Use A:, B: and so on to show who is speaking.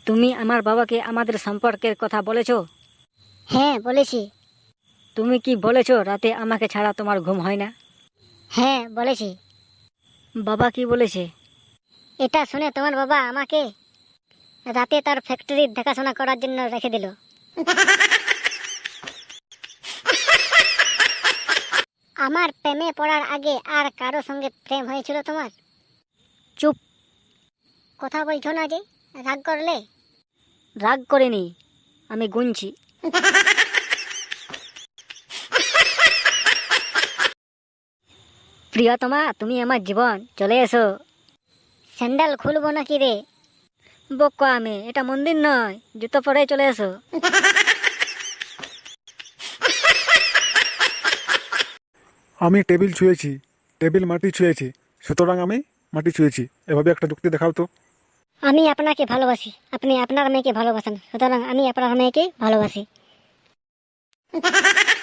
A: তুমি আমার বাবাকে আমাদের সম্পর্কের কথা বলেছো?
B: হ্যাঁ বলেছি।
A: তুমি কি বলেছো রাতে আমাকে ছাড়া তোমার ঘুম হয় না?
B: হ্যাঁ বলেছি।
A: বাবা কি বলেছে?
B: এটা শুনে তোমার বাবা আমাকে রাতে তার ফ্যাক্টরির দেখাশোনা করার জন্য রেখে দিল। আমার প্রেমে পড়ার আগে আর কারো সঙ্গে প্রেম হয়েছিল তোমার?
A: চুপ!
B: কথা বলছো না যে, রাগ করলে?
A: রাগ করিনি, আমি গুনছি। প্রিয়তমা, তুমি আমার জীবন, চলে এসো।
B: স্যান্ডেল খুলবো নাকি রে?
A: বোকা আমি, এটা মন্দির নয়, জুতো পরে চলে এসো।
C: আমি টেবিল ছুঁয়েছি, টেবিল মাটি ছুঁয়েছে, সুতরাং আমি মাটি ছুঁয়েছি। এভাবে একটা যুক্তি দেখাও তো।
B: আমি আপনাকে ভালোবাসি, আপনি আপনার মেয়েকে ভালোবাসেন, সুতরাং আমি আপনার মেয়েকে ভালোবাসি।